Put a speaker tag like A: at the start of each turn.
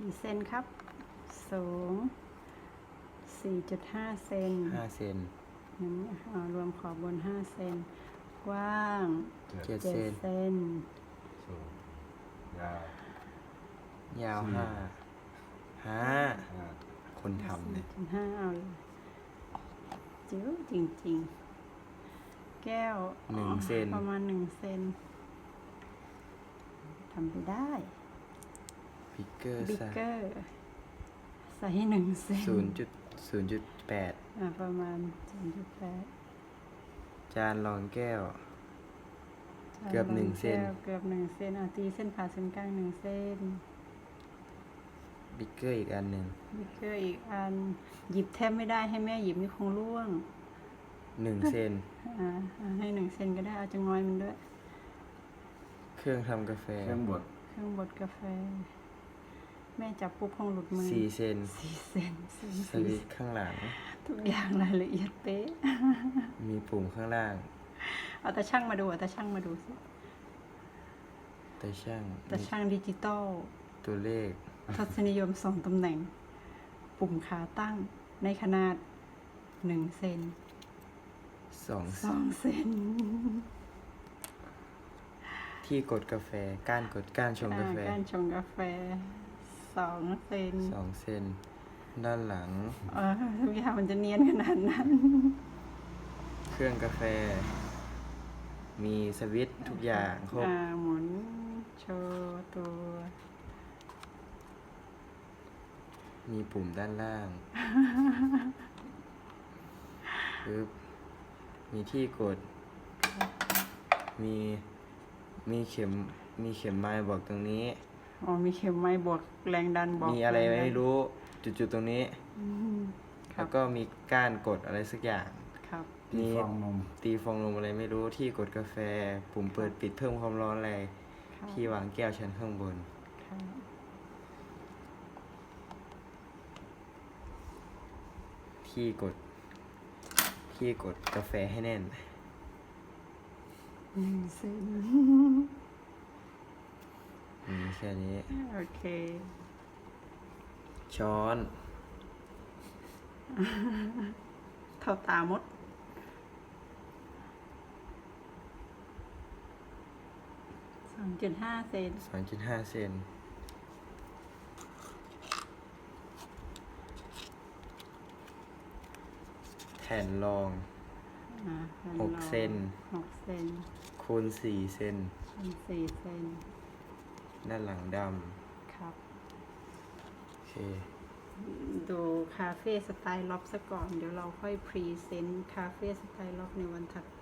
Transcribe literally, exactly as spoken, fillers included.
A: กี่เซนครับสูง สี่จุดห้า เซน
B: ห้าเซน
A: งั้นเอารวมขอบบน ห้า เซนกว้าง
B: เจ็ด
A: เจ็ด
B: เซน
A: เซน
C: สูงยาวย
B: าว
C: สี่
B: ห้าห้า
C: ห้า
B: คนทำเนี่ย
A: สี่จุดห้าเอาเลยจิ๋วจริงๆ แก้ว
B: หนึ่งเซน
A: ประมาณหนึ่งเซนทำไปได้
B: บิ๊กเกอร์
A: บิ๊กเกอร์ใส่ให้หนึ่งเซน
B: ศูนย์จุดศูนย์จุดแปด
A: อ่าประมาณ ศูนย์จุดแปด
B: จานรองแก้ว เกือบหนึ่งเซน
A: เกือบหนึ่งเซนอ่ะตีเส้นผ่าศูนย์กลางหนึ่งเส้น
B: บิ๊กเกอร์อีกอันหนึ่ง
A: บิ๊กเกอร์อีกอัน หยิบแทบไม่ได้ให้แม่หยิบนี่คงร่วง
B: หนึ่งเซน
A: อ่าอ่าให้หนึ่งเซนก็ได้เอาจะงอยมันด้วย
B: เครื่องทำกาแฟ
C: เครื่องบด
A: เครื่องบดกาแฟ แม่จับปุ๊บคงหลุดมือ
B: สี่เซน
A: สี่เซนสี่
B: สวิตช์ข้างหลัง
A: ทุกอย่างรายละเอียดเป๊ะ
B: มีปุ่มข้างล่าง
A: เอาแต่ช่างมาดูเอาแต่ช่างมาดูสิ
B: แต่ช่าง
A: แต่ช่างดิจิตอล
B: ตัวเลข
A: ทัศนิยมสองตำแหน่ง ปุ่มขาตั้งในขนาดหนึ่งเซน
B: สอง
A: สองเซน
B: ที่กดกาแฟ ก้านกดก้านชงกาแฟ
A: การชงกาแฟสองเซน
B: สองเซน ด้านหลัง
A: เออทุกอย่างมันจะเนียนขนาดนั้น
B: เครื่องกาแฟ มีสวิตช์ทุกอย่างครบ
A: อ่าหมุนโชว์ตัว
B: มีปุ่มด้านล่าง ปึ๊บ มีที่กด มี มีเข็ม มีเข็มไม้บอกตรงนี้
A: อ๋อมีเข็มไม้บวกแรงดันบอก
B: มีอะไร
A: แงดัน
B: ไม่รู้ จุดๆตรงนี้
A: อืมครั
B: แล้
A: บ
B: วก็มีก้านกดอะไรสักอย่าง
A: ครับ
C: ตี
B: มี
C: ฟองนม
B: ตีฟองนมอะไรไม่รู้ ที่กดกาแฟ ปุ่มเปิดปิดเพิ่มความร้อนอะไร
A: ครับ
B: ที่วางแก้วชั้นข้างบน
A: ครับ
B: ที่กด ที่กดกาแฟให้แน่น
A: หนึ่งเซน
B: มีแค่นี้
A: โอเค
B: ช้อน
A: เท่าตามด สองจุดห้าเซน
B: สองจุดห้า เซน แผ่นรอง
A: อ่า
B: หกเซน
A: หกเซน
B: คูณสี่เซน
A: เป็นสี่เซน
B: ด้านหลังด
A: ครับ
B: ำโอเค
A: ดูคาเฟ่สไตล์ล็อบซะก่อน เดี๋ยวเราค่อยพรีเซนต์คาเฟ่สไตล์ล็อบในวันถัดไป